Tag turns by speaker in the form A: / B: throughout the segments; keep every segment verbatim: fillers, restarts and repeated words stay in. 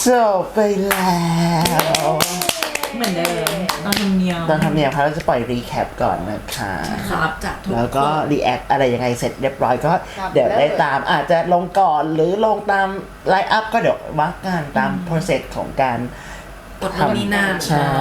A: จบไปแล้ว
B: เหมือนเดิมตอนทำเนียม
A: ตอนทำเนียมเราจะปล่อยรีแคปก่อนนะคะ
B: ครับจากทุก
A: แล้วก็รีแอคอะไรยังไงเสร็จเรียบร้อยก็เดี๋ยวได้ตามอาจจะลงก่อนหรือลงตามไลน์อัพก็เดี๋ยวว่ากันตาม process ของการ
B: ทำนี่นั่น
A: ใช่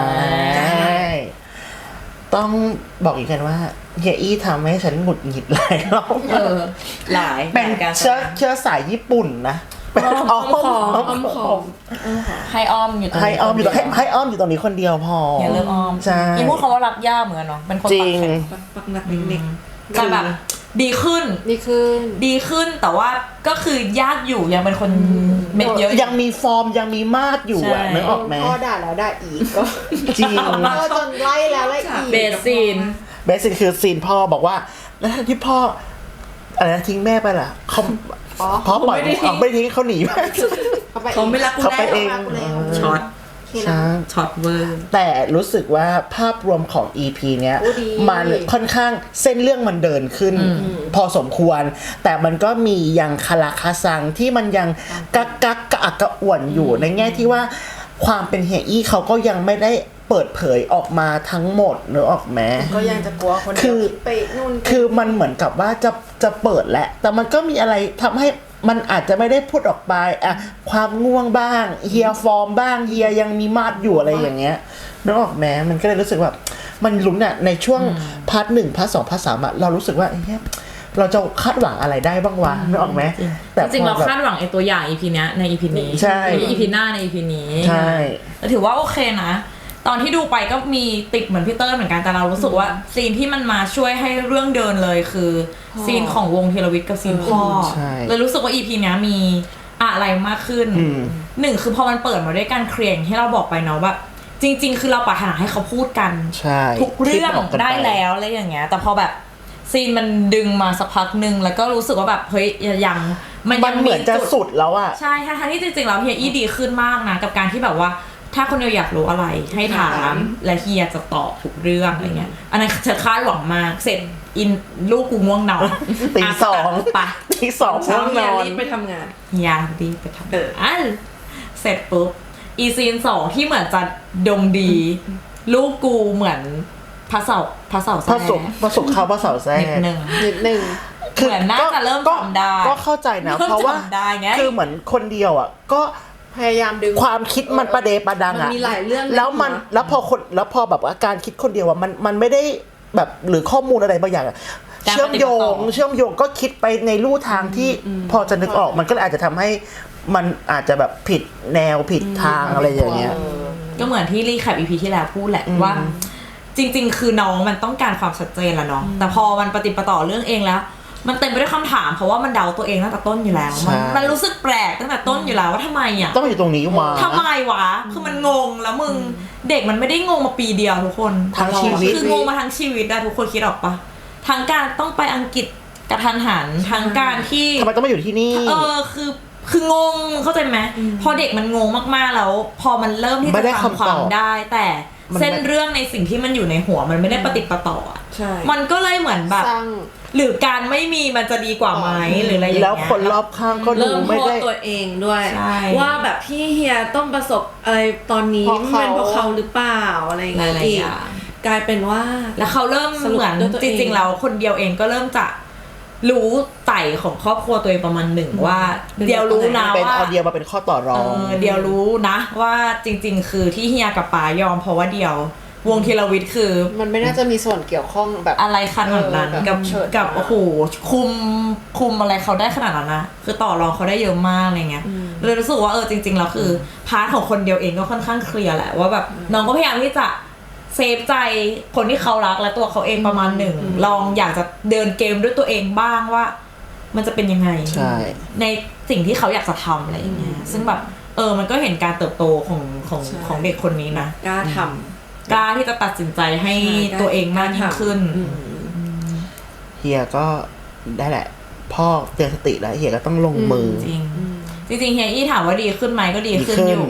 A: ต้องบอกอีกกันว่าเฮียอี้ทำให้ฉันหงุดหงิดหลายรอบ
B: เออหลาย
A: เป็นเชื้อเชื้อสายญี่ปุ่นนะเป็นอ้อมอ้อม
B: ของให้อ้อมอยู่ตรง
A: ให้อ้อมอยู่ให้ให้อ้อมอยู่ตรงนี้คนเดียวพอ
B: อย่าเลิกอ้อม
A: ใช่
B: ยิ่งพูดคำว่ารักย่าเหมือนเนาะเป็นคน
A: ปักแขน
B: ปักหนักเด็กๆจะแบบดีขึ้น
C: ดีขึ้น
B: ดีขึ้นแต่ว่าก็คือยากอยู่ยังเป็นคนเม็ดเยอะ
A: ยังมีฟอร์มยังมีมาดอยู่อ่ะนึกออกไหม
C: พ่อด่าแล้วด่าอีกก็
A: จริง
C: ก็จนไล่แล้วไล่อีก
B: เบสซีน
A: เบสซีนคือซีนพ่อบอกว่าแล้วที่พ่ออะไรนะทิ้งแม่ไปล่ะเขาพ่อปล่อยเอาไม่ทิ้งเขาหนีไป
B: เขาไม่รักกู
A: แล้วเขาไปเอง
B: ช็อตช็อตเวอร์
A: แต่รู้สึกว่าภาพรวมของ อี พี เนี้ยมันค่อนข้างเส้นเรื่องมันเดินขึ้นพอสมควรแต่มันก็มียังคาราคาซังที่มันยังกักกักกระอักกระอ่วนอยู่ในแง่ที่ว่าความเป็นเฮียอี้เขาก็ยังไม่ได้เปิดเผยออกมาทั้งหมดนึกออกไหม
C: ก็ยังจะกลัวคน
A: คือ
C: ไปนู่น
A: คือมันเหมือนกับว่าจะจะเปิดแหละแต่มันก็มีอะไรทำให้มันอาจจะไม่ได้พูดออกไปอะความง่วงบ้างเฮียฟอร์มบ้างเฮียยังมีมาดอยู่อะไรอย่างเงี้ยนึกออกไหมมันก็เลยรู้สึกว่ามันลุ้นอะในช่วงพาร์ทหนึ่งพาร์ทสองพาร์ทสามอะเรารู้สึกว่าเฮ้ยเราจะคาดหวังอะไรได้บ้างวะนึกออกไหม
B: แต่จริงๆเราคาดหวังไอ้ตัวอย่าง อี พี เนี้ยใน อี พี นี้
A: ใช่
B: อี พี หน้าใน อี พี นี้
A: ใช่
B: แต่ถือว่าโอเคนะตอนที่ดูไปก็มีติดเหมือนพี่เติ้ลเหมือนกันแต่เรารู้สึกว่าซีนที่มันมาช่วยให้เรื่องเดินเลยคือซีนของวงธีรวิทย์กับซีนพ่อเลยรู้สึกว่า อี พี นี้มีอะไรมากขึ้นหนึ่งคือพอมันเปิดมาด้วยการเคลียร์ที่เราบอกไปเนาะแบบจริงๆคือเราปรารถนาให้เขาพูดกันทุกเรื่องได้แล้วอะไรอย่างเงี้ยแต่พอแบบซีนมันดึงมาสักพักนึงแล้วก็รู้สึกว่าแบบเฮ้ยยัง
A: มันยังเหมือนจะสุดแล้วอะ
B: ใช่ทั้งที่จริงๆแล้วเฮียอี้ดีขึ้นมากนะกับการที่แบบว่าถ้าคนเดียวอยากรู้อะไรให้ถามและเฮียจะตอบทุกเรื่องอะไรเงี้ยอันนั้นจะคาดหวังมากเสร็จอินลูกกูง่วงนอน
A: ตีสอง
B: ปะ
A: ตีสองง่วงนอน
C: รีบไปทำงาน
B: เฮียรีบไปทำงานเสร็จปุ๊บอีซีนสองที่เหมือนจะดงดีลูกกูเหมือนพระเสาพระเสาแซ่
A: พระสุขพระสุขเขาพระเสาแซ่
B: นิดนึง
C: นิดนึง
B: เหมือนน่าจะเริ่มจำได้
A: ก็เข้าใจนะเพราะว่าคือเหมือนคนเดียวอ่ะก็
C: พยายามดึง
A: ความคิดมันประเดประดังอ่ะ
C: มันมีหลายเรื่อง
A: แล้วมันแล้วพอคนแล้วพอแบบว่าการคิดคนเดียวอ่ะมันมันไม่ได้แบบหรือข้อมูลอะไรบางอย่างเชื่อมโยงเชื่อมโยงก็คิดไปในลู่ทางที่พอจะนึกออกมันก็อาจจะทำให้มันอาจจะแบบผิดแนวผิดทางอะไรอย่างเงี้ย
B: ก็เหมือนที่รีแคป อี พี ที่แล้วพูดแหละว่าจริงๆคือน้องมันต้องการความชัดเจนแหละเนาะแต่พอมันปฏิปต่อเรื่องเองแล้วมันเต็มไปด้วยคำถามเพราะว่ามันเดาตัวเองตั้งแต่ต้นอยู่แล้วมันมันรู้สึกแปลกตั้งแต่ต้นอยู่แล้วว่าทำไมอ่ะ
A: ต้องอยู่ตรงนี้มา
B: ทำไมวะคือมันงงแล้วมึงเด็กมันไม่ได้งงมาปีเดียวทุกคน
A: ทั้งชีวิต
B: คืองงมาทั้งชีวิตอะทุกคนคิดออกปะทั้งการต้องไปอังกฤษกระทันหันทั้งการที่
A: ทำไมต้องมาอยู่ที่นี่
B: เออคือคืองงเข้าใจไหมพอเด็กมันงงมากๆแล้วพอมันเริ่มที่จะทำความได้แต่เส้นเรื่องในสิ่งที่มันอยู่ในหัวมันไม่ได้ปฏิปต่ออ่ะมันก็เลยเหมือนแบบหรือการไม่มีมันจะดีกว่าไหมหรืออะไรอย่างเงี้ย
A: แล้วคนรอบข้างก็ดูไม่ได้
C: ตัวเองด้วยว่าแบบพี่เฮียต้องประสบอะไรตอนนี้เป็นเพราะเขาหรือเปล่าอะไรอย่างเงี้ยกลายเป็นว่า
B: แล้วเขาเริ่มเหมือนจริงๆแล้วคนเดียวเองก็เริ่มจะรู้ไต่ของครอบครัวตัวเองประมาณหนึ่งว่าเดียวรู้นะว่า
A: เป็นเอาเดียวมาเป็นข้อต่อรอง
B: เดียวรู้นะว่าจริงๆคือที่เฮียกับป๋ายอมเพราะว่าเดียววงธีรวิทย์คือ
C: มันไม่น่าจะมีส่วนเกี่ยวข้องแบบ
B: อะไรขนาดนั้นกับกับโอ้โหคุมคุมอะไรเขาได้ขนาดนั้นนะคือต่อรองเขาได้เยอะมากอะไรเงี้ยเลยรู้สึกว่าเออจริงๆแล้วคือพาร์ทของคนเดียวเองก็ค่อนข้างเคลียร์แหละว่าแบบน้องก็พยายามที่จะเซฟใจคนที่เขารักและตัวเขาเองประมาณหนึ่งลองอยากจะเดินเกมด้วยตัวเองบ้างว่ามันจะเป็นยังไงในสิ่งที่เขาอยากจะทำอะไรอย่างเงี้ยซึ่งแบบเออมันก็เห็นการเติบโตของของของเด็กคนนี้นะ
C: กล้าท
B: ำกล้าที่จะตัดสินใจให้ตัวเองมากยิ่งขึ้น
A: เฮียก็ได้แหละพ่อเตือนสติแล้วเฮียก็ต้องลงมือ
B: จริงจริงเฮียอี้ถามว่าดีขึ้นไหมก็ดีขึ้นอยู่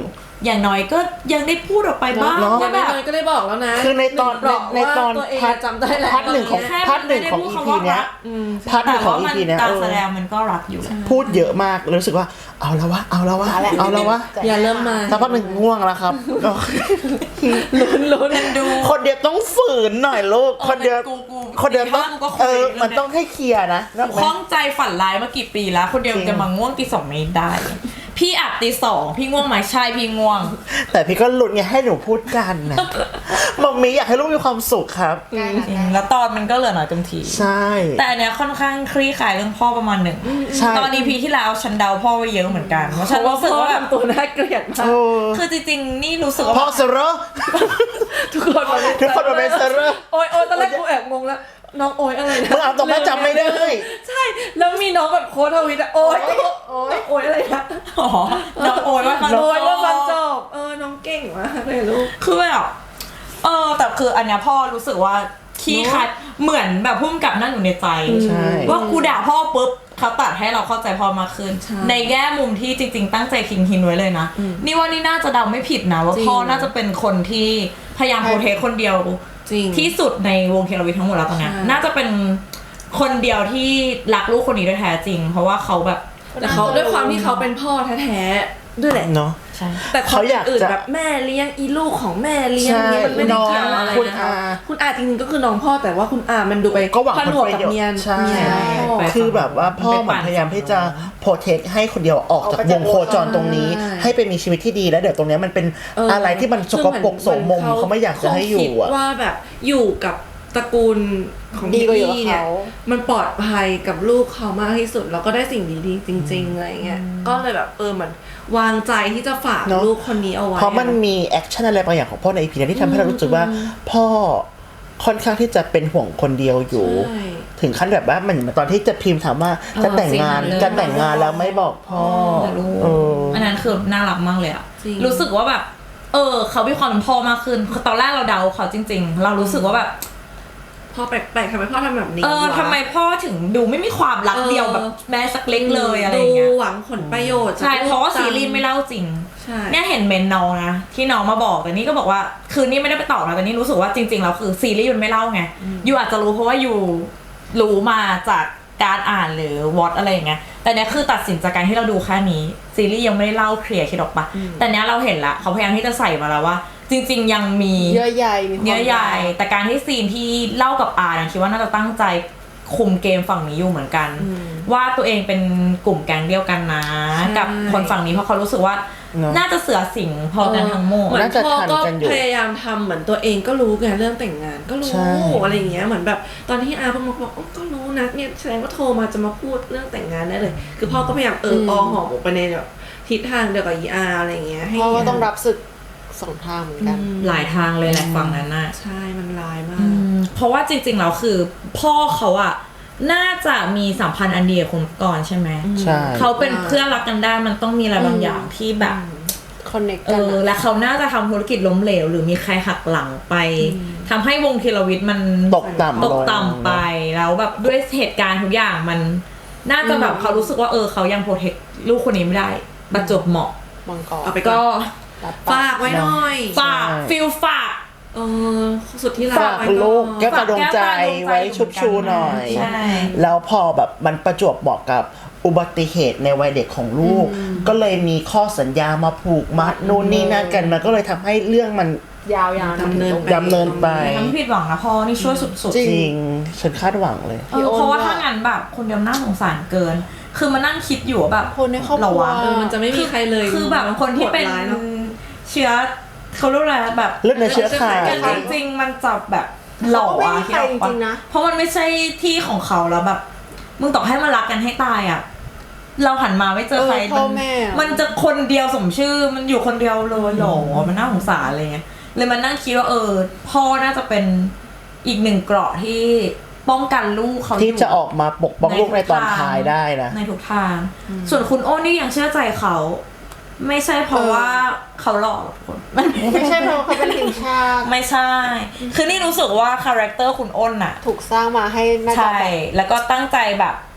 B: อย่างน้อยก็ยังได้พูดออกไปบ้าง
A: เนาะ
B: ว่าแบบ
C: ก็ได้บอกแล้วนะ
A: คือในตอน
C: บอก
A: ในตอน
C: ว่าตัวเอง
A: พาร์ท
C: จำได้แล้ว
A: พาร์ทหนึ่งของ
B: แค่
A: พาร์ทหนึ่งของ
B: ไม่
A: อี
B: ได้พูด
A: พี
B: คำว่า
A: เนี้ย
B: รัก
A: พาร์ทหนึ่
B: แต่
A: งของ
B: ว่า
A: อี
B: มัน
A: พีเนี้ย
B: การ
A: เออ
B: แสดงมันก็รักอยู่
A: พูดเยอะมากรู้สึกว่าเอาแล้ววะเอาแล้ววะเอาแล้ววะ
C: อย่าเริ่มมา
A: สักพักหนึ่งง่วงแล้วครับ
C: ลุ้นลุ้น
B: ดู
A: คนเดียวต้องฝืนหน่อยลูกคนเดียว
B: กูกู
A: คนเดียวต้อง
B: กูก็คุย
A: เออ
B: เรื่องเนี้ย
A: มันต้องให้เคลียร์นะนึกออกไหม
B: ข้องใจฝันร้ายมากี่ปีแล้ว คนเดียว
A: จริง
B: จะมาง่วงตีสองไม่ได้ พี่อัดตีสองพี่ง่วงไหมใช่พี่ง่วง
A: แต่พี่ก็หลุดไงให้หนูพูดกันนะมัมมี่อยากให้ลูกมีความสุขครับ
B: จริงแล้วตอนมันก็เหลือหน่อยเต็มที
A: ใช่
B: แต่อันเนี้ยค่อนข้างคลี่คลายเรื่องพ่อประมาณหนึ่ง
A: ใช่
B: ตอน อี พีที่แล้วฉันเดาพ่อไว้เยอะเหมือนกันเพราะ
C: เพ
B: ฉัน
C: ราะว่า
B: รู้สึก
C: พ่อ
B: ว่าแบบ
C: ทำตัวน่าเกลียดมาก
A: โอ้
B: คือจริงๆนี่รู้สึกว่า
A: พ่อเซโร
C: ทุกคนมา
A: ทุกคนมาเป็นเซอร์
C: โอ้ยโอ้ยตอนแรกกูแอบงงแล้วน้องโอ้ยอะไรนะ
A: มึงอ่านตรงนั้นจำไม่ได้
C: ใช่แล้วมีน้องแบบโค้ดทวิตอะโอ้ยโอ้ยโอ้ยอะไรนะ
B: อ๋อน้องโอยว่าฟัง
C: โอ้ยว่าฟังจ
B: จ
C: บเออน้องเก่งมากเลยลูก
B: คือแบบเออแต่คืออันเนี้ยพ่อรู้สึกว่าขี้คายเหมือนแบบพุ่มกับนั่งอยู่ในใจ
A: ใช่
B: ว่ากูด่าพ่อปุ๊บเขาตัดให้เราเข้าใจพ่อมากขึ้น
C: ใช่
B: ในแง่มุมที่จริง ๆ ตั้งใจคิงฮินไว้เลยนะ นี่ว่านี่น่าจะเดาไม่ผิดนะ ว่า
C: จริง
B: พ่อน่าจะเป็นคนที่พยายามโปรเทคคนเดียว
C: จริง
B: ที่สุดในวงเคราวิททั้งหมดแล้วตอนเนี้ย
C: ใช่
B: น่าจะเป็นคนเดียวที่รักลูกคนนี้ด้วยแท้จริง เพราะว่าเขาแบบ
C: แต่เขาด้วยความที่เขาเป็นพ่อแท้ๆด้วยแหละ
A: เนาะ
B: ใช่
C: แต่ค
A: เขา
C: น
A: อยาก
C: อื่น
A: จะ
C: แบบแม่เลี้ยงอีลูกของแม่เลี้ยง
A: ใช่
C: เนี่ยมันไม่ได้เกี่ยว
A: น้อง
C: อะไร
A: คุณ
C: นะคะ
A: อา
C: คุณอาจริงๆก็คือน้องพ่อแต่ว่าคุณอามันดูไป
A: ก็หวัง
C: ผนวก
A: ผลประ
C: กับ
A: โยชน์
C: เมีย
A: ใช่
C: เมียพ่อ
B: ไป
A: คือแบบว่าพ่อเหมือนพยายามที่จะโปรเทคให้คนเดียวออกจากวงโคจรตรงนี้
C: ใช่
A: ให้ไปมีชีวิตที่ดีแล้วเดี๋ยวตรงเนี้ยมันเป็น
C: เอออ
A: อะไรที่มันสกปรกโสมมเขาไม่อยากจะให้อยู่
C: คงคิด
A: อ่ะ
C: ว่าแบบอยู่กับตระกูลของ
D: ดีกว่าอยู่กับ
C: พี่เนี่ย
D: เขา
C: มันปลอดภัยกับลูกเขามากที่สุดแล้วก็ได้สิ่งดีๆจริงๆอะไรเงี้ยก็เลยแบบเออเหมือนวางใจที่จะฝาก
A: เนอะ
C: ลูกคนนี้เอาไว้
A: เพราะมันมีแอคชั่นอะไรบางอย่างของพ่อในอีพีนั้นที่ทำให้เรารู้สึกว่าพ่อค่อนข้างที่จะเป็นห่วงคนเดียวอยู่
C: ใช่
A: ถึงขั้นแบบว่าเหมือนตอนที่จะพิมพ์ถามว่าจะแต่งงาน
B: สิ่งนั้นเลย
A: จะแต่งงานแล้วไม่บอกพ่อ
B: รู้
A: เออ
B: อันนั้นคือน่ารักมากเลยอะ
C: จริง
B: รู้สึกว่าแบบ เออ เขามีความเป็นพ่อมากขึ้นคือตอนแรกเราเดาเขาจริง ๆ เรารู้สึกว่าแบบ
C: พ่อแปลกๆทำไมพ่อทำแบบนี้
B: เออ
C: วะ
B: ทำไมพ่อถึงดูไม่มีความรัก
C: เออ
B: เดียวแบบแม้สักเล็กเลยอะไรอย่างเงี้ย
C: ดูหวังผลประโยชน์
B: ใช่
C: จก
B: เพราะว่า
C: ลูก
B: ซีรีส์ไม่เล่าจริง
C: ใช่
B: เนี่ยเห็นเมนน้องนะที่น้องมาบอกแต่นี่ก็บอกว่าคือนี่ไม่ได้ไปตอบนะแต่นี่รู้สึกว่าจริงๆแล้วคือซีรีส์มันไม่เล่าไงยูอาจจะรู้เพราะว่ายูรู้มาจากการอ่านหรือวอตอะไรอย่างเงี้ยแต่เนี้ยคือตัดสินจากการที่เราดูแค่นี้ซีรีส์ยังไม่ได้เล่าเคลียร์คิดออกปะแต่เนี้ยเราเห็นละเขาพยายามที่จะใส่มาแล้วว่า จริง ๆ ยังมี
D: เยื่อใยมีความ
B: เนื้อใหญ่แต่การที่ซีนที่เล่ากับอาร์นะคิดว่าน่าจะตั้งใจคุมเกมฝั่งนี้อยู่เหมือนกัน ว่าตัวเองเป็นกลุ่มแก๊งเดียวกันนะ กับคนฝั่งนี้เพราะเขารู้สึกว่า
A: เนอะ
B: น่าจะเสือสิงพอกันทั้งหมด
C: เหมือน
A: น่าจะ
C: พ่อ
A: ทัน
C: ก็
A: กันอยู่
C: พยายามทำเหมือนตัวเองก็รู้ไงเรื่องแต่งงานก็รู้
A: ใช่
C: อะไรอย่างเงี้ยเหมือนแบบตอนที่อาเพิ่งมาบอกอ๋อก็รู้นะเนี่ยแสดงว่าโทรมาจะมาพูดเรื่องแต่งงานได้เลย คือพ่อก็พยายามเออออหอมออกไปในแบบทิศทางเดียวกับอีอาอะไรอย่างเงี้ยให้
D: เพราะว่าต้องรับศึกสองทางเหมือนกัน
B: หลายทางเลยแหละฝั่งนั้นน่ะ
C: ใช่มันลายมา
B: อื
C: ก
B: มเพราะว่าจริงๆแล้วคือ พ่อเขาอะน่าจะมีสัมพันธ์อันเดียวกับคุณก่อนใช่ไหม
A: ใช่
B: เขาเป็นเพื่อนรักกันได้มันต้องมีอะไรบางอย่างที่แบบ
D: คอนเนค
B: เอ
D: กัน
B: อ
D: อะ
B: และเขาน่าจะทำธุรกิจล้มเหลวหรือมีใครหักหลังไปทำให้วงธีรวิทย์มัน
A: ตกต่ำ
B: ตก
A: ลง
B: ต่ำไปแล้วแบบด้วยเหตุการณ์ทุกอย่างมัน น่าจะแบบเขารู้สึกว่าเออเขายังโปรเทคลูกคนนี้ไม่ได้ประจวบเหมาะ
D: มังกร
C: เอาไปก่
B: ก็
C: อน
D: รับป
C: ฝากไว้หน่อย
B: ฝากฟิลฝาก
C: เออสุดที่รัก
A: ฝาก
C: ไว้
A: ลูก
C: อน
A: แก้วตาดวงใจไว้ชุบชูหน่อย
B: ใช่
A: แล้วพอแบบมันประจวบเหมาะกับอุบัติเหตุในวัยเด็กของลูก ก็เลยมีข้อสัญญามาผูกมัดนู่นนี่นั่นกันมันก็เลยทำให้เรื่องมัน
D: ยาวๆ
C: ดำเนิน
A: ดำเนินไป
B: ทำให้ผิดหวังนะพ่อนี่ช่วยสุด
A: จริง ฉันคาดหวังเลย
B: ๆเออเพราะว่าถ้างั้นแบบคนเดียวน่าสงสารเกิน คือมานั่งคิดอยู่ว่าแบบ
D: คนในครอบครัว
B: เาวะ
C: เออมันจะไม่มีใครเลย
B: คือแบบคนที่เป็น
C: โหดร้ายเนอะ
B: เชื้อเขาเรียกอะไรแบบ
A: เลือดในเชื้อไข
B: กันจริงๆมันจะแบบหล่อ
D: เขาก็ไม่
B: อะ
D: มีใคร
B: คิดออกป
D: จริงๆนะ
B: เพราะมันไม่ใช่ที่ของเขาแล้วแบบ มึงต่อให้มารักกันให้ตายอ่ะเราหันมาไม่เจอใคร
D: เออพ่อแม่อะ
B: มันจะคนเดียวสมชื่อมันอยู่คนเดียวเลยหรอมันน่าสงสารอะไรเงี้ยเลยมันนั่งคิดว่าเออ พ่อน่าจะเป็นอีกหนึ่งเกราะที่ป้องกันลูกเขา
A: ที่
B: อยู่
A: จะออกมาปกป้องลูกในตอนท้ายได้นะ
B: ในทุกทาง ส่วนคุณโอ้นี่ยังเชื่อใจเขา ไม่ใช่เพราะว่าเขาหล่อหรอกคนมัน
D: ไม่ใช่เพราะเขาเป็นทีมชาติ
B: ไม่ใช่ คือนี่รู้สึกว่าคาแรคเตอร์คุณอ้นน่ะ
D: ถูกสร้างมาให้น่าจะ
B: ใช่
D: แบบ
B: แล้วก็ตั้งใจแบบ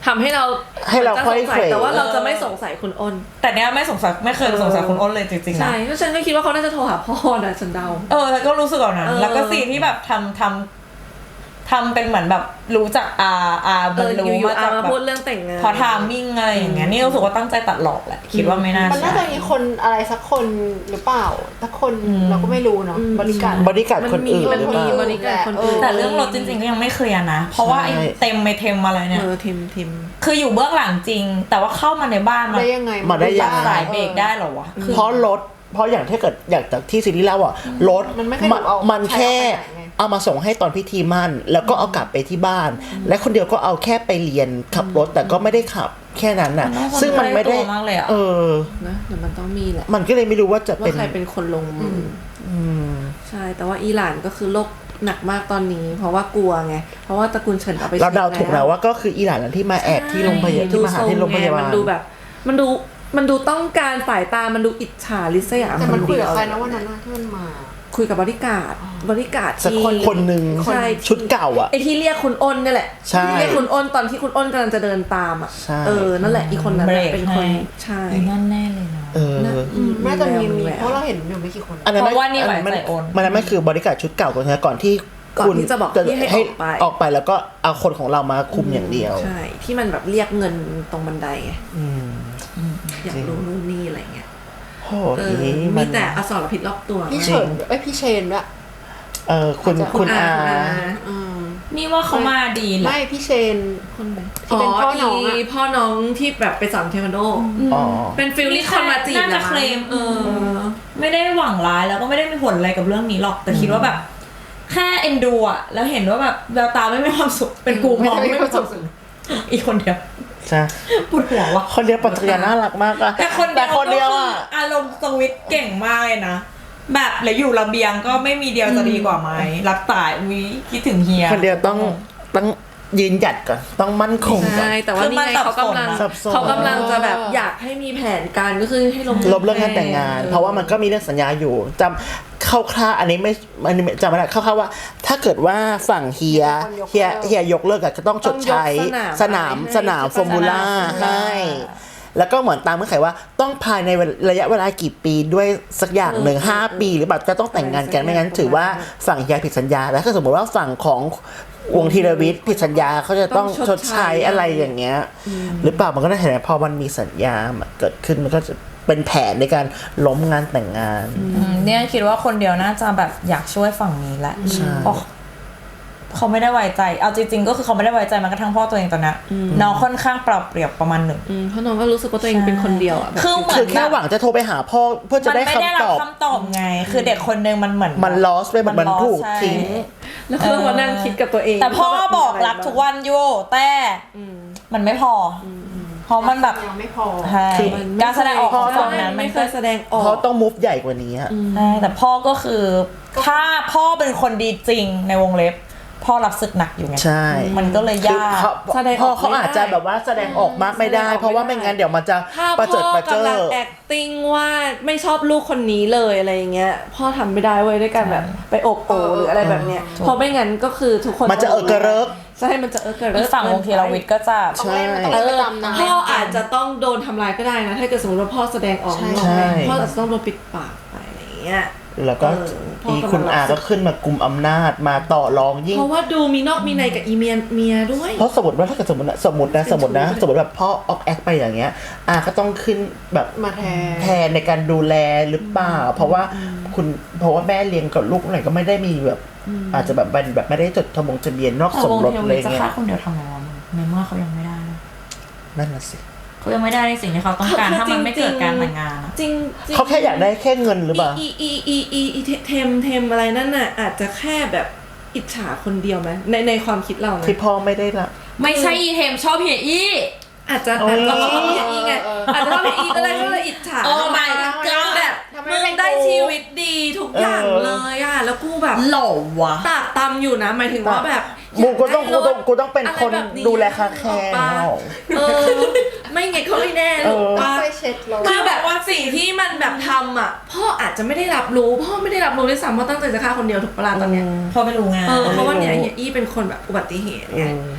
C: ทำให้เรา
A: ให้เรา
C: จะ
A: ค่
C: ส
A: อย
C: งสั
A: เข
C: ยว แต่ว่าเรา
B: เออ
C: จะไม่สงสัยคุณอ้น
B: แต่เนี้ยไม่สงสัยไม่เคยสงสัยคุณอ้นเลยจริงๆนะ
C: ใช่เพราะฉันก็คิดว่าเขาน่าจะโทรหาพ่อนะฉันเดา
B: เออแล้วก็รู้สึกแบบนั้น
C: เออ
B: แล้วก็ซีนที่แบบทำทำทำเป็นเหมือนแบบรู้จักอาอา
C: เอ
B: มัน
C: อ
B: รู้
C: อยู่
B: มา
C: ๆอา
B: จาก
C: มา
B: แบบ
C: พูดเรื่องแต่งงาน
B: พอทามมิ่งอะไรอย่างเงี้ยนี่รู้สึกว่าตั้งใจตัดหลอกแหละคิดว่าไม่น่า
D: มันน่า
B: ใช่
D: จะมีคนอะไรสักคนหรือเปล่าสักคนเราก็ไม่รู้เนาะบริการ
A: บริการคนอื่น
C: มัน
A: หรือ
C: มี
A: เปล่า
C: บริการคนอื่น
B: แต่เรื่องรถจริงๆก็ยังไม่เคลียร์นะ เพราะว่าไอ้
A: ใช่
B: เต็มไม่เต็มอะไรเนี่ย
C: เออทิมทิม
B: คืออยู่เบื้องหลังจริง แต่ว่าเข้ามาในบ้านมัน
D: ได้ยังไง
A: มาได้ยังไง
B: สายเบรกได้เหรอวะคือ
A: เพราะรถเพราะอย่างถ้าเกิดอย่างจากที่ซีรีส์เล่าอ่ะรถ
D: มันไม่เคยถูกเอา
A: มัน
D: ใช้
A: แค่
D: เอาไปไหนไง
A: เอามาส่งให้ตอนพิธีมั่นแล้วก็เอากลับไปที่บ้าน และคนเดียวก็เอาแค่ไปเรียนขับรถแต่ก็ไม่ได้ขับแค่นั้นน่ะ
B: มันต้องคน
A: ซึ่งมันไม่ได้
B: ใกล้ตัวมากเลยอะ
A: เออ
C: นะเดี๋ยวมันต้องมีแหละ
A: มันก็เลยไม่รู้ว่าจะ
C: ว่า
A: เป็น
C: ใครเป็นคนลงมืออใช่แต่ว่าอิหร่านก็คือโรคหนักมากตอนนี้ เพราะว่ากลัวไงเพราะว่าตระกูลเฉินเอาไป
A: เราเดา
C: ช็ค
A: ถูกแล้วว่าก็คืออิหร่านที่มาแอบที่โรงพยาบาลที่มาหาที่โรงพยาบาล
C: มันดูแบบ มันดูมันดูต้องการสายตามันดูอิจฉาลิษยา
D: แต่มันคุยกับ
C: เดีว
D: ใครนะวันนั้นน่ะที่มันมา
C: คุยกับบริการดบริการด
A: สัก
C: ที่
A: คนคนหนึ่ง
C: ใช่
A: ชุดเก่าอ่ะ
C: ไอที่เรียกคุณอ้นนี่แหละ
A: ใช่
C: ที่เรียกคุณอ้นตอนที่คุณอ้นกำลังจะเดินตามอ่ะ
A: ใช่
C: เออนั่นแหละอีกคนนั้น
B: เบร
C: น่ะ
B: ก
C: เป็นคน
B: ให้
C: ใช่
B: อีนั่นแน่เลยนะ
A: เออ
C: อืม
D: น่าจะมี
C: แว
D: มี
C: แวว
D: เพราะเราเห็นอยู่ไม่กี่คน
A: อันนั้น
B: เพราะว่านี่ไหว
A: มั
B: ใส่โอน
A: มันนั้นไม่คือบริการชุดเก่าก่อนนะก่อนที่
C: ก่อน
A: คุณ
C: ที่จะบอกที่ให้ออกไป
A: ออกไปแล้วก็เอาคนของเรามาคุมอย่างเดียว
C: ใช่ที่มันแบบเรียกเงินตรงบันไดไง
A: อืม
C: อยากรู้นู่นนี่อะไรเงี้ย
A: โอ้
C: เออ
A: ทีนี้
C: มี
A: มัน
C: แต่อสรพิษรอบตัว
D: พี่เฉินเอ้ยพี่เชนด้วย
A: เออคุณคุณอา
D: อืม
B: นี่ว่าเขามาดีแหละ
D: ไม่พี่เชน
C: คนไหน
D: ที่เป็นพ่อน้องอะ
C: อีพ่อน้องที่แบบไปสอนเทควันโด
A: อ๋อ
C: เป็นฟิลลิ่งคนมาจีบ
B: น่าจะ
C: หรอ
B: เคลม
C: เออ
B: ไม่ได้หวังร้ายแล้วก็ไม่ได้มีผลอะไรกับเรื่องนี้หรอกแต่คิดว่าแบบแค่เอ็นดูอะแล้วเห็นว่าแบบแววตาไม่มีความสุขเป็นกูมองไม่มีความสุขอีกคนเดียว
A: ใช่
B: ปวดหัวว่ะ
A: คนเดียวปัจจัยน่ารักมากอะ
B: แต่คน
A: แต่คนเดียว
B: ก็
A: อะ
B: คืออารมณ์สวิตช์เก่งมากเลยนะแบบเหลืออยู่ระเบียงก็ไม่มีเดียวจะดีกว่าไหมรับสายวิคิดถึงเฮีย
A: คนเดียวต้องต้องยืนหยัดก่อนต้องมั่นคงก่อน
C: ใช่แต่ว่านี่ไงเขากำลัง
A: สับสน
C: เขากำลังจะแบบอยากให้มีแผนการก็คือให้ลบ
A: ลบเรื่องการแต่งงาน เพราะว่ามันก็มีเรื่องสัญญาอยู่จำคร่าวๆอันนี้ไม่อันนี้จำไม่ได้คร่าวๆว่า ถ้าเกิดว่าฝั่งเฮียเฮียเฮียยกเลิกอะก็ต้องชดใช้สนามสนามฟอร์มูล่าให้ แล้วก็เหมือนตามเงื่อนไขว่าต้องภายในระยะเวลากี่ปีด้วยสักอย่างหนึ่งห้าปีหรือแบบจะต้องแต่งงานกันไม่งั้นถือว่าฝั่งเฮียผิดสัญญาแล้วถ้าสมมติว่าฝั่งของวงธีรวิทย์ผิดสัญญาเขาจะต้องชดใช้อะไรอย่างเงี้ยหรือเปล่ามันก็ได้เห็นพอมันมีสัญญาเกิดขึ้นมันก็จะเป็นแผนในการล้มงานแต่งงาน
B: อืมเนี่ยคิดว่าคนเดียวน่าจะแบบอยากช่วยฝั่งนี้แหละ
A: ใช่
B: เพราะเขาไม่ได้ไว้ใจเอาจริงๆก็คือเขาไม่ได้ไว้ใจมันกระทั่งพ่อตัวเองตอนนี้น้องค่อนข้างปรับเปรียบประมาณหนึ่ง
C: อืมเพราะน้องก็รู้สึกว่าตัวเองเป็นคนเดียวอ่ะแบบ
B: คือเหมื
A: คือ อน แค่หวังจะโทรไปหาพ่อเพื่อจะ
B: มัน
A: ได้
B: ไม่ได้
A: คำ
B: รั
A: ต
B: บ
A: อบ
B: คำตอบไง คือเด็กคนนึงมันเหมือน
A: มัน lost ไปแบบมัน
B: lost
A: ถูก
B: ใช่
A: ทิ้ง
C: แล้วก็มานั่งคิดกับตัวเอง
B: แต่พ่อ
C: ว่าแบบ
B: บอก
C: มีะไ
B: รักทุกวันอยู่แต่มันไม่พออเพราะมันแบบ
D: ยังไม่พอ
B: ใช่
A: คือ
B: การแสดงออกของ
C: ใช่
B: ฝั่งนั้นมัน
C: ไม่เค
B: ก็
C: ยแสดงออก
A: เขาต้องมูฟใหญ่กว่านี้ฮะ
B: ใช่แต่พ่อก็คือถ้าพ่อเป็นคนดีจริงในวงเล็บ พ่อรับศึกหนักอยู่ไง
A: ใช่
B: มันก็เลย
A: คือย
B: าก
A: เขา
C: แสดงอ
A: พ่อ
C: อก
A: เขา
C: ไม่ได้
A: อาจจะแบบว่าแสดงออกมากไม่ได้
C: แสดงออกไม่ได้
A: เพราะว่าไม่งั้นเดี๋ยวมันจะ
C: ถ้า
A: ประ
C: พ่
A: เจิด
C: อ
A: ประเจิ
C: กำลัง
A: ด
C: acting ว่าไม่ชอบลูกคนนี้เลยอะไรอย่างเงี้ยพ่อทำไม่ได้เว้ยด้วยการแบบไปโอบโอหรืออะไรแบบเนี้ยเพราะไม่งั้นก็คือทุกคน
A: มันจะเออกระเริก
C: ใช่มันจะเออกระเริ
B: อี
C: ก
B: กฝั่งวงธีรวิทย์ก็จะ
D: ต้องเล่นมันต้อง
C: เอ
D: เล่น
C: อ
D: ไปตามนั้น
C: พ่ออาจจะต้องโดนทำร้ายก็ได้นะถ้าเกิดสมมติว่าพ่อแสดงออก
D: ใช่
C: นอก
A: ใช่
C: พ่ออาจจะต้องโดนปิดปากไปอะไรอย่างเงี้ย
A: แล้วก็
C: เออพ่อ
A: อี
C: กำลัง
A: คุณอาก็ขึ้นมากลุ่มอำนาจมาต่อรองยิ่ง
C: เพราะว่าดูมีนอกมีในกับอีเมียเมียด้วย
A: เพราะสมมติว่าถ้าเกิดสมมตินะสมมตินะสมมตินะสมมติแบบพ่อออกแอคไปอย่างเงี้ยอาก็ต้องขึ้นแบบ
D: มาแทน
A: แทนในการดูแลหรือเปล่า เพราะว่าคุณเพราะว่าแม่เลี้ยงกับลูกไหนก็ไม่ได้มีแบบอาจจะแบบเป็นแบบไม่ได้จดทะบงทะเบียนนอก
B: แต่
A: สม
B: วง
A: รส
B: ธีร
A: อะไร
B: วิทย์จะ
A: เงี้ย
B: ฆ่าคนเดียวทำไงวะมึงในเมื่อเขายังไม่ได้นะ
A: นั่นน่ะสิ
B: เขายังไม่ได้ในสิ่งที่เขาต้องการถ้ามันไม่เกิดการแต่งงานอะ
C: จริงจริง
A: เขาแค่อยากได้แค่เงินหรือเปล่า
C: อีอีอีอีอีเทมเทมอะไรนั่นน่ะอาจจะแค่แบบอิจฉาคนเดียวไหมในในความคิดเรานะ
A: ที่พ่อไม่ได้ละ
B: ไม่ใช่อีเทมชอบเฮียอี้
C: อาจจะ
A: โอ้
C: อาจ
A: ย
C: จะชอบอย่างนี้ไงอาจจะชอบอย่างนี้ก็ได้ก็เลยอิจฉา
B: โอ้ my god
C: แบบ
D: ทำไม
C: มึ
D: ไม่
C: ง
D: เป็น
C: ได้
D: กู
C: ชีวิตดีทุกอย่าง
A: เออ
C: เลยอ่ะแล้วกูแบบ
B: หล่อวะ
C: ตากตำอยู่นะหมายถึงว่าแบบ
A: กูก็ต้อง
C: ยา
A: กู
C: ได้
A: ต้องกูต้องเป็น
C: อะไร
A: คน
C: แบบนี้
A: ดูแลคาแคร์
C: ออกปะเออไม่ไงเขาไม่แน่หรอก
A: เออ
C: ปะ
D: ไปเช็ดเรา
C: คือแบบว่าสิ่งที่มันแบบทำอ่ะพ่ออาจจะไม่ได้รับรู้พ่อไม่ได้รับรู้ด้วยซ้ำว่าตั้งใจจะฆ่าคนเดียวถูกปะล่ะตอนเนี้ย
B: พอไม่รู้งาน
C: เออเพราะว่าเนี่ยเฮียอี้เป็นคนแบบอุบัติเหตุไง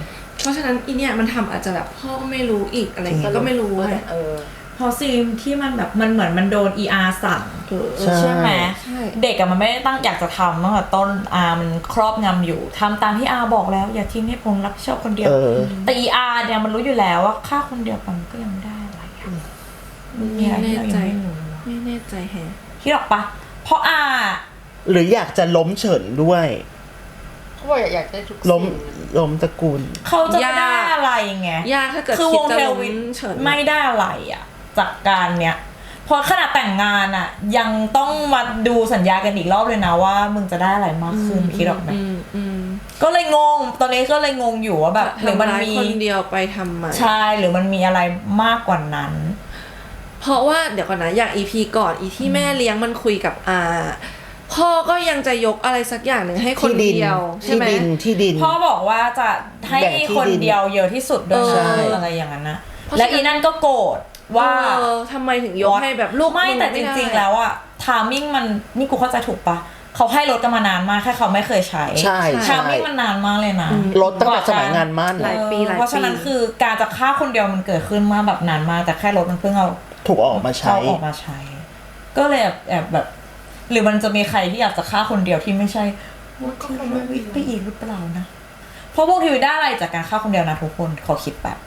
C: เพราะฉะนั้นอีเนี่ยมันทำอาจจะแบบพ่อก็ไม่รู้อีกอะไรเงี้ยก็ไม่รู้ไง
D: เออ
B: พอซีนที่มันแบบมันเหมือนมันโดน อี อาร์ สั่ง
A: ใช่
B: ใช่ไหม
C: ใช่
B: เด็กอะมันไม่ได้ตั้งอยากจะทำตั้งแต่ต้นอามันครอบงำอยู่ทำตามที่อาบอกแล้วอย่าทิ้งให้ผมรับผิดชอบคนเดียว
A: เออ
B: แต่ อี อาร์ เนี่ยมันรู้อยู่แล้วว่าฆ่าคนเดียวมันก็ยังไม่ได้อะไรอะมันมีอะไรที่เรายังไม่รู้
C: ไม่แน่ใจแฮะ
B: คิดออกปะเพราะอา
A: หรืออยากจะล้มเฉินด้วย
D: เขาบอกอยากได้ทุก
A: ล้ม
D: สิ่ง
A: ล้มตระกูล
B: เขาจะไม่ได้อะไรไง
C: ยากถ้าเกิด
B: คือ
C: คิ
B: ว
C: ด
B: ง
C: จะ
B: เท
C: ล้
B: ล
C: ม
B: วิน
C: เฉิน
B: ไม่ได้อะไรอะจากการเนี้ยพอขนาดแต่งงานอะยังต้องมาดูสัญญากันอีกรอบเลยนะว่ามึงจะได้อะไรมากขึ้นคิดออกไหม
C: อืมอืม
B: ก็เลยงงตอนนี้ก็เลยงงอยู่ว่าแบบหรือมัน
C: ทำร้าย
B: มี
C: คนเดียวไปทำไม
B: ใช่หรือมันมีอะไรมากกว่านั้น
C: เพราะว่าเดี๋ยวก่อนนะอย่าง อี พี ก่อนอีที่แม่เลี้ยงมันคุยกับอาพ่อก็ยังจะยกอะไรสักอย่างหนึ่งให้คน
A: ที่ดิน
C: เดียวใช่
A: ที่
C: ไหม
A: ดินที่ดิน
B: พ่อบอกว่าจะให้
A: แบ่งที่
B: คน
A: ดิน
B: เดียวเยอะที่สุดด้วย
A: ใช่
B: นะอะไรอย่างนั้นนะ
C: เพราะฉะนั้น
B: และอีนั่นก็โกรธว่า
C: เออทำไมถึงยกให้แบบลูก
B: ไม่
C: ง
B: แต่จ
C: ด้
B: ริงๆแล้วอะทามิ่งมันนี่กูเข้าใจถูกปะเขาให้รถกันมานานมากแค่เขาไม่เคยใช้
A: ใช่
B: ทา
A: ใช่
B: มิ่งมันนานมากเลยนะ
A: รถตั้งแต่สมัยงานมั่น
C: หลายปีหลายปี
B: เพราะฉะนั้นคือการจะฆ่าคนเดียวมันเกิดขึ้นมาแบบนานมากแต่แค่รถมันเพิ่งเอา
A: ถูกเอาออกมาใช้
B: เอาออกมาใช้ ก็เลยแอบแอบแบบ หรือมันจะมีใครที่อยากจะฆ่าคนเดียวที่ไม่ใช่วงทีวีไปอีกหรือเปล่านะ เพราะวงทีวีได้อะไรจากการฆ่าคนเดียวนะทุกคนขอคิดแบบ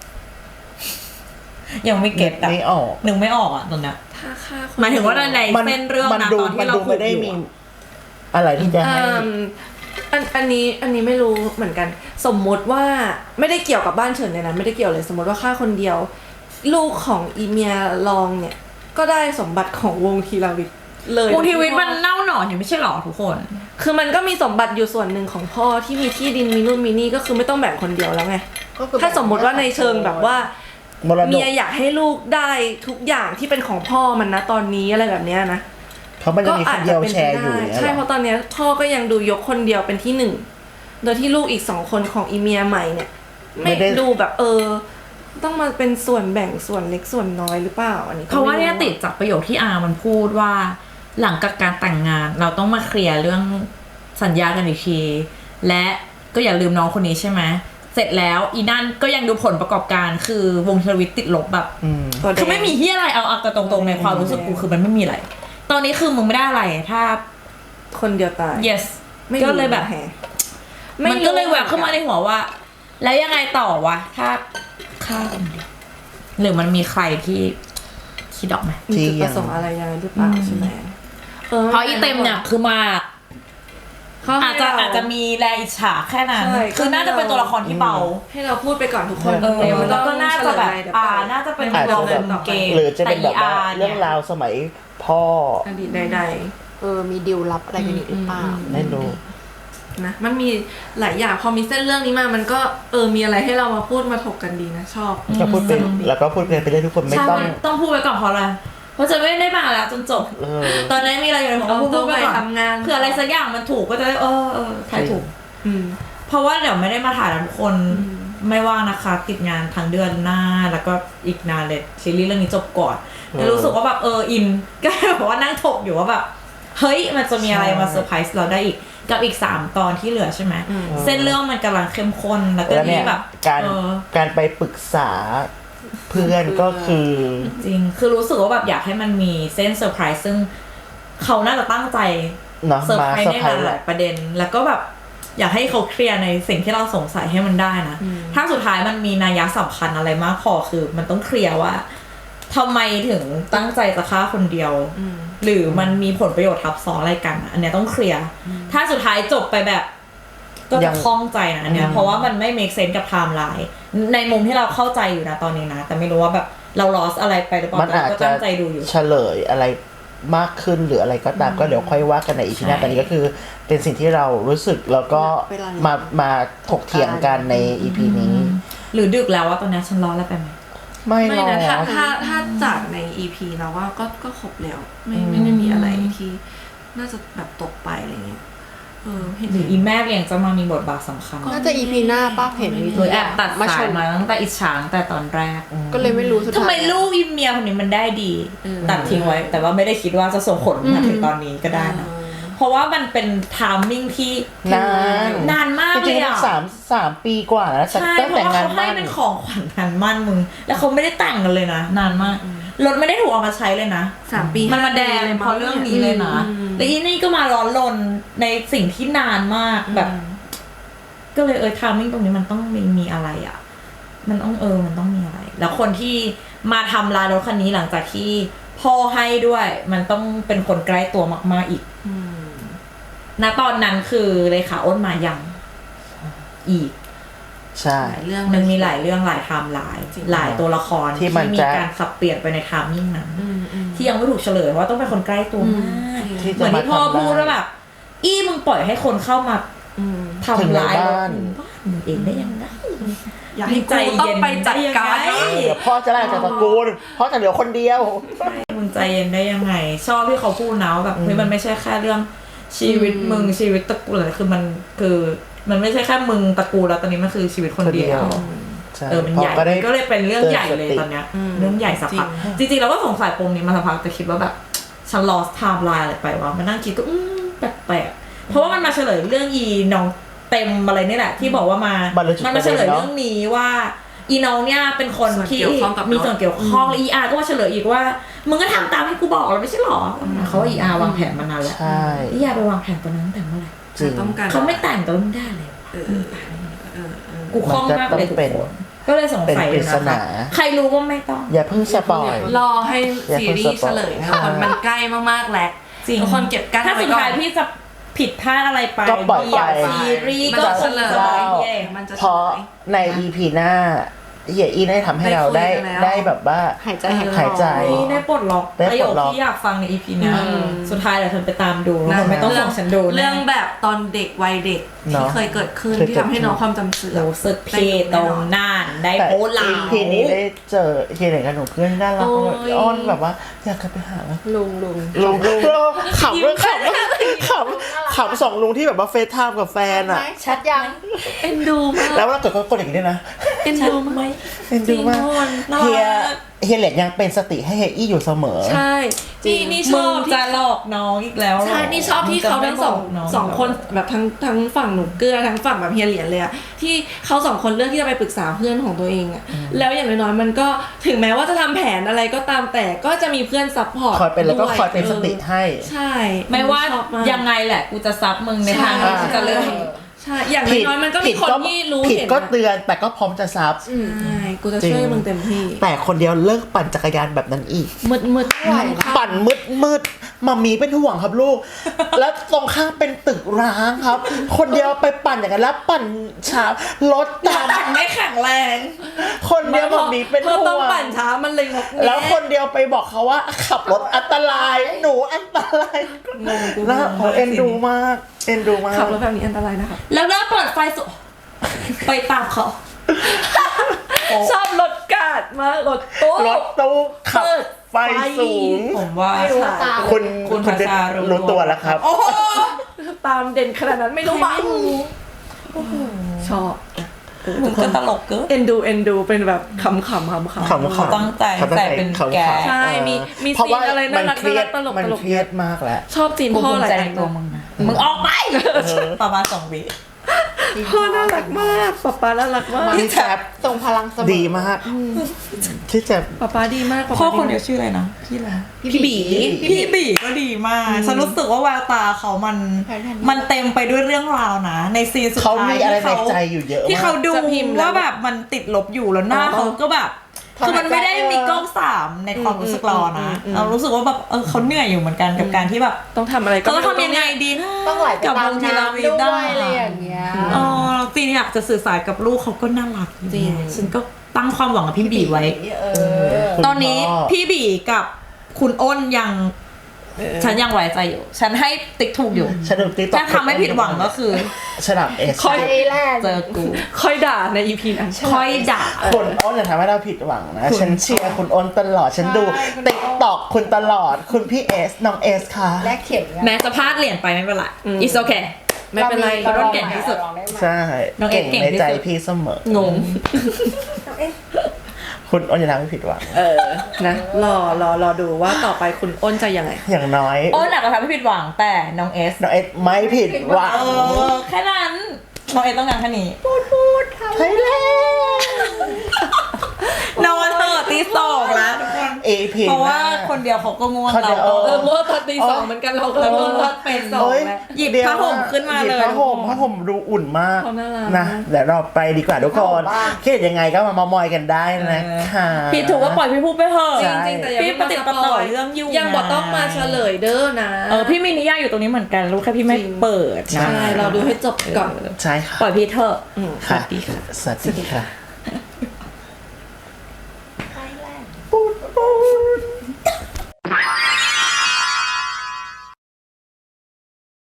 B: ยังไม่เก็ตอะ
A: ไม่ออก
B: นึกไม่ออกอะตอนเนี้ย
C: ถ้าฆ่าคน
B: หมายถึงว่าใน
A: มัน
B: เส้นเรื่อง
A: มัน
B: นะ
A: ดู
B: ตอน
A: มั
B: ที่
A: น
B: เรา
A: ดู
B: พู
A: ไม่
B: ด
A: ได้
B: อยู่
A: มี
B: อะ
A: อะไรที่จะให้
C: อืมอันอันนี้อันนี้ไม่รู้เหมือนกัน สมมติว่าไม่ได้เกี่ยวกับบ้านเฉินเลยนะไม่ได้เกี่ยวเลยสมมติว่าฆ่าคนเดียว ลูกของอีเมียลองเนี่ย ก็ได้สมบัติของวงทีราวิทเลยว
B: งทีวีมันเน่าหนอนอยู่ไม่ใช่หรอทุกคน
C: คือมันก็มีสมบัติอยู่ส่วนหนึ่งของพ่อที่มีที่ดินมีนู่นมีนี่ก็คือไม่ต้องแบ่งคนเดียวแล้วไง
D: ก็คือ
C: ถ้าสมมติว่าในเชิงแบบว่า
A: มรด
C: เมี
A: ก
C: ยอยากให้ลูกได้ทุกอย่างที่เป็นของพ่อมันนะตอนนี้อะไรแบบเนี้ยนะ
A: เขามันจะมีคนเดียวแชร์อยู่
C: ได้
A: เนี่ย
C: ใช่
A: เห
C: เพ
A: รอ
C: ราะตอนเนี้ยพ่อก็ยังดูยกคนเดียวเป็นที่หนึ่งโดยที่ลูกอีกสองคนของอีเมียใหม่เนี่ย ไม่ดูแบบเออ ต้องมาเป็นส่วนแบ่งส่วนเล็กส่วนน้อยหรือเปล่าอันนี้ก็
B: เพราะว่าเนี่ย
C: ไม่
B: ติดจากประโยคที่อามันพูดว่า หลังจากการแต่งงาน เราต้องมาเคลียร์เรื่องสัญญากันอีกทีและก็อย่าลืมน้องคนนี้ใช่ไหมเสร็จแล้วอีนั่นก็ยังดูผลประกอบการคือวงเทวิตติดลบแบบ
A: อืม
C: ตัวแดง
B: คือไม่มีที่อะไรเอาเอากันตรงๆในความรู้สึกกูคือมันไม่มีอะไร ตอนนี้คือมึงไม่ได้อะไรถ้า
C: คนเดียวตาย
B: yes
C: ไม่รู้
B: ก็เลยแบบ
C: แฮะ
B: มันก็เลยแหวกเข้ามาในหัวว่า แล้วยังไงต่อวะถ้าฆ่าคนเดียวหรือมันมีใครที่คิดออกไหม
C: มีจุดประสงค์อะไรยังไงหรือเปล่าใช่ไหม
B: เพราะอีเต็มเนี่ยคือมา
C: เขาให้
B: อาจจะ
C: เร
B: อาจจะมีแรงอิจฉาแค่นั้น
C: ใช่
B: คือน่าจะเป็นตัวละครที่เบา
C: ให้เราพูดไปก่อนทุกคน
B: เออ
C: ดี๋ยไม่ต้
B: แล้
C: อง
B: วก็น่าจะแบบ
C: เฉลยเดี๋ยว
B: อ่า
C: เปล่
B: น่าจะเป็น
A: อาจ
B: เรา
A: จะแบ
B: เป็
A: บ
B: นเกม
A: หรือจะเป็นแบบว่า
B: แต่
A: เรื่องราวสมัยพ่อ
C: อดีตใด
D: เออมีดีลลับอะไรกันอีกหรือเปล่า
A: ไม่รู้
C: ๆนะมันมีหลายอย่างพอมีเส้นเรื่องนี้มามันก็เออมีอะไรให้เรามาพูดมาถกกันดีนะชอบ
A: ก็พูดเป็นแล้วก็พูดเป็นไปได้ทุกคนไม่
B: ใช่
A: ต้อง
B: ต้องพูดไปก่อนเพราะอะไรเพราะจะไม่ได้มาแล้วจนจบ
A: เออ
B: ตอนนี้มีอะไรอยู่ในหัว
C: เรา
B: พูด
C: ต้อง
B: ไป
C: ไป
B: ก่อน
C: ทำงาน
B: เผื่ออะไรสักอย่างมันถูกก็จะได้เออเออใครถูก
C: อืม
B: เพราะว่าเดี๋ยวไม่ได้มาถ่ายแล้วทุกคน
C: อืม
B: ไม่ว่างนะคะ ติดงานทั้งเดือนหน้าแล้วก็อีกนานเลยซีรีส์เรื่องนี้จบก่อน
A: เออ
B: แล้วรู้สึกว่าแบบเอออิน ก็เลยแบบว่านั่งถกอยู่ว่าแบบเฮ้ยมันจะมีอะไรมาเซอร์ไพรส์เราได้อีกกับอีกสามตอนที่เหลือใช่ไหม
C: อืม
B: เส้นเรื่องมันกำลังเข้มข้นแล้วก็
A: แล้ว
B: นี่
A: เนี่ย
B: แบบ
A: การ
B: เออ
A: การไปปรึกษาเพื่อนก็คือ
B: จริงคือรู้สึกว่าแบบอยากให้มันมีเส้นเซอร์ไพรส์ซึ่งเขาน่าจะตั้งใจ
A: เนาะ
B: เซอร์
A: มา
B: ไพรส์
A: เซอ
B: ใน
A: ร์ไพรส์
B: ห
A: แห
B: ลา
A: ละ
B: ยๆประเด็น แล้วก็แบบอยากให้เขาเคลียร์ในสิ่งที่เราสงสัยให้มันได้นะ
C: อืม
B: ถ้าสุดท้ายมันมีนัยสำคัญอะไรมากพอคือ มันต้องเคลียร์ว่าทำไมถึงตั้งใจจะฆ่าคนเดียว
C: อืม
B: หรือมันมีผลประโยชน์ทับซ้อนอะไรกันอะอันเนี้ยต้องเคลียร์ถ้าสุดท้ายจบไปแบบ ก็
A: ยั
B: จะ
A: ง
B: คล่องใจนะอันเนี้ย
A: อืม
B: เพราะว่ามันไม่ make sense กับไทม์ไลน์ในมุมที่เราเข้าใจอยู่นะตอนนี้นะ แต่ไม่รู้ว่าแบบเรา lost อะไรไปหรือเปล่า
A: มัน
B: แต่
A: อาจ
B: เราก็
A: จะ
B: ตั้งใจดูอยู่
A: เฉลยอะไรมากขึ้นหรืออะไรก็ตามก็เดี๋ยวค่อยว่ากันในอีพีหน้า
B: ใช่
A: ตอนนี้ก็คือเป็นสิ่งที่เรารู้สึกแล้วก็
D: เวลานี้
A: มามาถกเถียงกันในอีพีนี้
B: หรือดึกแล้วว่าตอนนี้ฉันร้อนแล้วไปไหม
A: ไม่
C: ไม่
A: หรอ
C: นะถ้าถ้า
A: ก
C: ถ้าจากใน อี พี เราว่าก็ก็ครบแล้วไม่ไม่ได้มีอะไรที่น่าจะแบบตกไปอะไรเงี้ยเออเห็น
B: หรืออีแม่เลี้ยงจะมามีบทบาทสำคัญ
D: น่าจะอีพีหน้าป้าเห็นมี
B: โดยแอบตัด
D: มาช
B: สาย
D: น
B: มาตั้งแต่อิจฉาตั้งแต่ตอนแรก
D: ก็เลยไม่รู้สุดท้าย
B: ทำไมลูกอีเมียคนนี้มันได้ดี ตัดทิ้งไว้ แต่ว่าไม่ได้คิดว่าจะส่งผลมาถึงตอนนี้ก็ได้นะ
C: เ
B: เพราะว่ามันเป็นไทามมิ่งที่
A: นาน
B: นานมาก
A: จ
B: เล
A: ริง
B: ย
A: ๆ
B: อ่ะ
A: สามสามปีกว่าแล้ว
B: ใช่
A: ตั้ง
B: เพ
A: แต่
B: ราะว่า
A: งาน
B: เขาให้
A: มั่น
B: เป็นของขวัญงานมั่นมึง แล้วเขาไม่ได้แต่งกันเลยนะนานมากรถไม่ได้ถูกเอามาใช้เลยนะ
C: สามปี
B: มันมาแดง
C: ห้ปี
B: เพราะเรื่องนี้เลยนะ
C: อืม
B: แล้วอีนี่ก็มาร้อนรนในสิ่งที่นานมากแบบ ก็เลยเออทามมิ่งตรงนี้มันต้องมีมีอะไรอ่ะ มันต้องเออมันต้องมีอะไร แล้วคนที่มาทำลายรถคันนี้หลังจากที่พ่อให้ด้วย มันต้องเป็นคนใกล้ตัวมากๆอีก
C: อืม
B: ณตอนนั้นคือเลขาอ้นมายังอีก
A: ใช่
C: หลายเรื่อง
B: มันมีหลายเรื่องหลายไทม์ไลน์
C: จริง
B: หลายตัวละคร
A: ที่มัน
B: มี
A: จะ
B: การสับเปลี่ยนไปในไทามมิ่งนั้น
C: อืมอืม
B: ที่ยังไม่ถูกเฉลยเพราะว่าต้องเป็นคนใกล้ตัวมาก
A: ที่
B: เห
A: จะ
B: มือน
A: มา
B: ที่พ่อ
A: ทำ
B: พูด
A: ได้
B: ว่าแบบอี้มึงปล่อยให้คนเข้ามา
C: อืม
B: ทำร้าย
A: ถึงในบ้าน
B: บ้านมึงเองได้ยังไง
C: อยากให้ใจเย็นไปจัดการ
B: ได้ยังไง
A: เดี๋ยวพ่อจะไล่จากตระกูลพ่อจะเหลือคนเดียว
B: มึงใจเย็นได้ยังไง ชอบที่เขาพูดนะว่าแบบเฮ้ยมันไม่ใช่แค่เรื่องชีวิตมึงชีวิตตระกูลอะไรคือมันคือมันไม่ใช่แค่มึงตระกูลแล้วตอนนี้มันคือชีวิตคนเดียว
A: ใช่
B: เออมันใหญ่
A: พ่ก็ได้
B: ก็เลยเป็นเรื่องใหญ่เลยตอนเนี้ย
C: อืม
B: เรื่องใหญ่สักพัก
C: จริง
B: จริงๆเราก็สงสัยปมนี้มาสักพักแต่คิดว่าแบบฉัน lost timeline อะไรไปวะมานั่งคิดก็อืมแปลกๆเพราะว่ามันมาเฉลยเรื่องอีน้องเต็มอะไรนี่แหละที่บอกว่ามา
A: บรรลุจุด
B: มันมาเฉลย
A: ประเด็นเนอะ
B: เรื่องนี้ว่าอีน้องเนี่ยเป็นคน
C: ส่วน
B: ที่
C: เกี่ยวข้องกับ
B: มี
C: รถ
B: ส่วนเกี่ยวข้องและอีอาร์ก็มาเฉลยอีกว่ามึงก็ทำตามที่กูบอกแล้วไม่ใช่หรอเขาว่าอีอาร์วางแผนมานานแล้ว
A: ใช่
B: อีอาร์ไปวางแผนตอนนั้นตั้งแต่เมื่อไหร่
A: จริง
C: ต้องการ
B: เขาไม่แต่งแต่มึงได้เลย
C: เออเออเออเออ
B: กูคล่องมากเลย
A: มันก็ต้องเป็น
B: ทุกคนก็เลยสงสัย
A: เป็นปริศ
B: นะ
A: นา
B: คะใครรู้ก็ไม่ต้อง
A: อย่าเพิ่งสปอย
C: รอให้ซีรีส์เฉลยนะคนมันใกล้มากๆแล้ว
B: จริง
C: ทุกคนเก็บกั้น
B: ถ้า
C: ไว้
B: สุด
C: ก่อ
B: ท้าย
C: น
B: พี่จะผิดพลาดอะไรไป
A: ก็ปล่อยไป
B: เดี๋วซีรีส์
C: มัน
B: ก็
C: จะ
B: ค
C: เฉ
B: ง
C: ลย
B: จะบอกเย่
C: มันจะ
A: เพราะใน อี พี หน้าเฮียอีได้ทำให้เราได้
C: ได้คุยกันแล้ว
A: ได้แบบว่า
D: หายใจหายคอ
A: หายใจ
B: ได้ปลดล็อก
A: ได้
B: ประ
A: ป
B: โย
A: ล
B: ค
A: ดล็อก
B: ที่อยากฟังใน อี พี เนี้ย
C: อืม
B: สุดท้ายเดี๋ยวเธอไปตามดู
A: นะ
B: ไม่ต้องส่งฉันดูนะ
C: เรื่องแบบตอนเด็กวัยเด็ก
A: เน
C: ที่
A: อะ
C: เคยเกิดขึ้น
A: เคย
C: ที่
A: เกิด
C: ทำให้น้องความจำเสื่อม
B: รู้สึกเพตรงน่านได้
A: แต่
B: โพลา
A: อี
B: ว
A: พีนี้ได้เจอเฮียเหน่งกับหนูเพื่อนน่ารัก
C: โอ้ย
A: อ้อนแบบว่าอยากกลับไปหา
D: ลุงลุง
A: ลุงลุงขำด้วยขำขำขำสองลุงที่แบบว่าเฟซไทม์กับแฟนอ่ะ
D: ชัดยัง
C: เอ็นดูมาก
A: แล้วเวลาเกิดก็กดอย่างนี้ด้วยนะ
C: เอ็นดูมาก
A: เอ็นดูมาก
B: น่า
A: เฮีย
B: รัก
A: เฮียเหล็กยังเป็นสติให้เฮียอี้อยู่เสมอ
C: ใช่นี่นี่ช
B: มึ
C: อง บที่
B: จะหลอกน้องอีกแล้วเหรอ
C: ใช่นี่ชอบที่เขาทั้งสอง
B: มึจะไม่บก
C: สองคนแบบทั้งทั้งฝั่งหนูเกลือทั้งฝั่งแบบเฮียเหรียญเลยอะที่เขาสองคนเลือกที่จะไปปรึกษาเพื่อนของตัวเองอะแล้วอย่างน้อยๆมันก็ถึงแม้ว่าจะทำแผนอะไรก็ตามแต่ก็จะมีเพื่อนซัพพอร์ต
A: คอยเป็นแล้วก็
C: ด้วย
A: คอยเป็นสติให้
C: ใช่
B: ไม่ว่า
C: ชอบมก
B: ยังไงแหละกูจะซับมึงในทางที่
C: ใช่
B: กูจะเลือก
C: ใช่อย่างน้อยๆมันก็มีคนที่รู้
A: ผิด
C: เห็น
A: ก็
C: นะ
A: เตือนแต่ก็พร้อมจะซับ
C: ใช่กูจะช่วยมึงเต็มที่
A: แต่คนเดียวเลิกปั่นจักรยานแบบนั้นอีก
C: มืดมืดๆ
D: ไหวละ
A: ปั่นมืดมืดมามีเป็นห่วงครับลูก แล้วตรงข้างเป็นตึกร้างครับ คนเดียวไปปั่นอย่างนั้นแล้วปั่นช้ารถตาม
B: ไม่แข็งแรง
A: คนเดียวมามีเป็น
C: เธอ
A: ห่
C: ต้อง
A: วง
C: ปั่นช้ามันเลยงกแงะ
A: แล้วคนเดียวไปบอกเขาว่าขับรถอันตรายหนูอันตราย
C: งงกู
A: นะ
C: งง
A: โอ้เอ็นดูมากเอ็นดูมาก
C: ขับรถแบบนี้อันตรายนะคะ
B: แล้วเริ่มเปิดไฟสุดไปตามเขา
C: ชอบรถกาดมากรถตู้
A: รถตู้ขับ
C: เปิด
A: ไฟสูง
B: ผมว่า
D: ไม่รู้ตาม
A: คุณ
B: คุณ
A: คุณ
B: ประชารู้
A: รู้ตัวแล้วครับ
B: โอ้โห
C: ตามเด่นขนาดนั้นไม่รู้บ้างชอบ
B: มึงก็ตลกเกิน
C: เอ็นดูเอ็นดูเป็นแบบขำๆขำๆ
A: ขำๆ
B: เขาตั้งใจ
A: เขาตั้ง
B: ใส่
A: ใจ
B: เป็น
A: ขำๆ
B: แก
C: ใช่มีมี
A: เพราะว่า
C: ซีนอะไรน่ารัก
A: มัเครียด
C: น่ารักตลก
A: มัน
C: ตลก
A: เครียดมากแหละ
C: ชอบซีน
B: กู
C: พ่อ
B: ภู
C: ห
B: มิ
C: ลาย
B: ใจ
C: อั
B: ใน
C: น
B: ตัวมึงนะมึงออกไปประมาณสองวิ
C: พ่อน่ารักมากป๊าป๊าน่ารักมาก
A: พี่แจ๊บ
D: ส่งพลังเสมอ
A: ดีมากพี่แจ๊บ
C: ป๊าป๊าดีมากป๊า
B: พ่อ
C: ป๊า
B: คน
C: ดี
B: เดียวชื่ออะไรนะพี่อะไร
C: พี่บี
B: พี่บีก็ดีมากฉันรู้สึกว่าแววตาเขามัน มันเต็มไปด้วยเรื่องราวนะ ในซีนสุด
A: เขา
B: ท้าย
A: มีอะไร
B: ที่
A: ใน
B: เขา
A: ใจอยู่เยอะ
B: ที่
A: มา
B: เขา
A: ก
B: ดู
C: จะพิมพ์แล้ว
B: ว่าแบบมันติดลบอยู่แล้วหน้า
C: อ๋อ
B: เขาก็แบบคือมันไม่ได้มีกล้องสามในความรู้สึกเรานะ
C: อืมอืมอืม
B: เรารู้สึกว่าแบบเออเขาเหนื่อยอยู่เหมือนกันกับการที่แบบ
C: ต้องทำอะไรก็
B: เขาต้องทำยังไงดีนะ
D: ต้องไหลไป
B: กับ
D: ตาว ม
B: งทีละ
D: น้ำ
B: วิ
D: ด้
B: ได้
D: วยอะไรอย่างเงี้ย
B: เออซีนอยากจะสื่อสารกับลูกเขาก็น่ารัก
C: จริง
B: ฉันก็ตั้งความหวังกับพี่บีไว้
D: เออ
A: คุณ
B: ตอนนี้
A: พ่อ
B: พี่บีกับคุณอ้นยัง
C: เออ
B: ฉันยังไว้ใจอยู่ ฉันให้ติ๊กถูกอยู่
A: ฉันดูติ๊กต็อก
B: ถ้าทำไม่ผิดหวังก็คือ
A: ฉลาดเอส
C: ค่อย
D: ไทยแลนด์
B: เจอกู
C: ค่อยด่าในอีพีนั้น
B: ค่อยด่า
A: คุณอ้นอย่าทำให้เราผิดหวังนะ
B: คุณ
A: ฉันเชียร์คุณอ้นตลอด ฉันดู
D: ใช่คุณอ้น
A: ติ๊กต็อกคุณตลอด คุณพี่เอส น้องเอสค่ะ
D: แลกเข็มกัน
B: แม้จะพลาดเหรียญไปไม่เป็นไร it's okay
C: ไม่เป็นไร
B: เรา
C: เรา
B: ต้
C: ต้
B: อ
C: อง ง
B: เก่
C: เก่
B: ง
C: ง
B: ที่
C: ที่
B: สุ
C: สุ
B: ด
C: ด
A: ใช่
B: น้องเอส
A: เก่ง
B: เก่ง
A: ใน
B: ที่
A: ใจ
B: สุด
A: พี่เสมอ
B: งง
A: เพคุณอ้นจะทำให้ผิดหวัง
C: เออนะรอรอรอดูว่าต่อไปคุณอ้นจะยังไง
A: อย่างน้อย
B: โอ้หนักกว่าทำให้ผิดหวังแต่น้องเอส
A: น้องเอ็ดไม่ผิดหวัง
B: เออแค่นั้นน้องเอสต้องการแค่นี้
A: ใช่แล้ว
B: นอนเถอะตีสองแล้วทุกคน
A: เอพี
B: เพราะว่าคนเดียวเขาก็ง่วง
A: คนเดี
B: เรา
A: ยว
B: ก็
C: เออเมื่อตอนตีสองเหมือนกันเราก็
B: เอ
C: เริ่ม
B: อ
C: ว่าเป็นสอง
A: เฮ้ย
C: แล้ว
B: หยิบ
A: ดี๋ว
B: ผ้าห่มขึ้นมาเลย
A: หบผ้าห่มผ้าห่มดูอุ่นมาก
C: เขาน่ารัก
A: นะเดี๋ยวเราไปดีกว่าทุกคนคิดยังไงก็มาเมามอยกันได้นะคะ
B: พี่ถูกก็ปล่อยพี่พูดไปเถอะ
C: จริงๆแต่อย่า
B: พี่
C: เพิ่ง
B: ปฏิดประต่อเรื่องยุ่ง
C: ยังบอกต้องมาเฉลยเด้อนะ
B: เออพี่มีนิยายอยู่ตรงนี้เหมือนกันรู้แค่พี่ไม่เปิดนะ
C: ใช่เราดูให้จบก่อน
A: ใช่ค่ะ
B: ปล่อยพี่เถอะ
A: ค่ะ สวัสดีค่ะ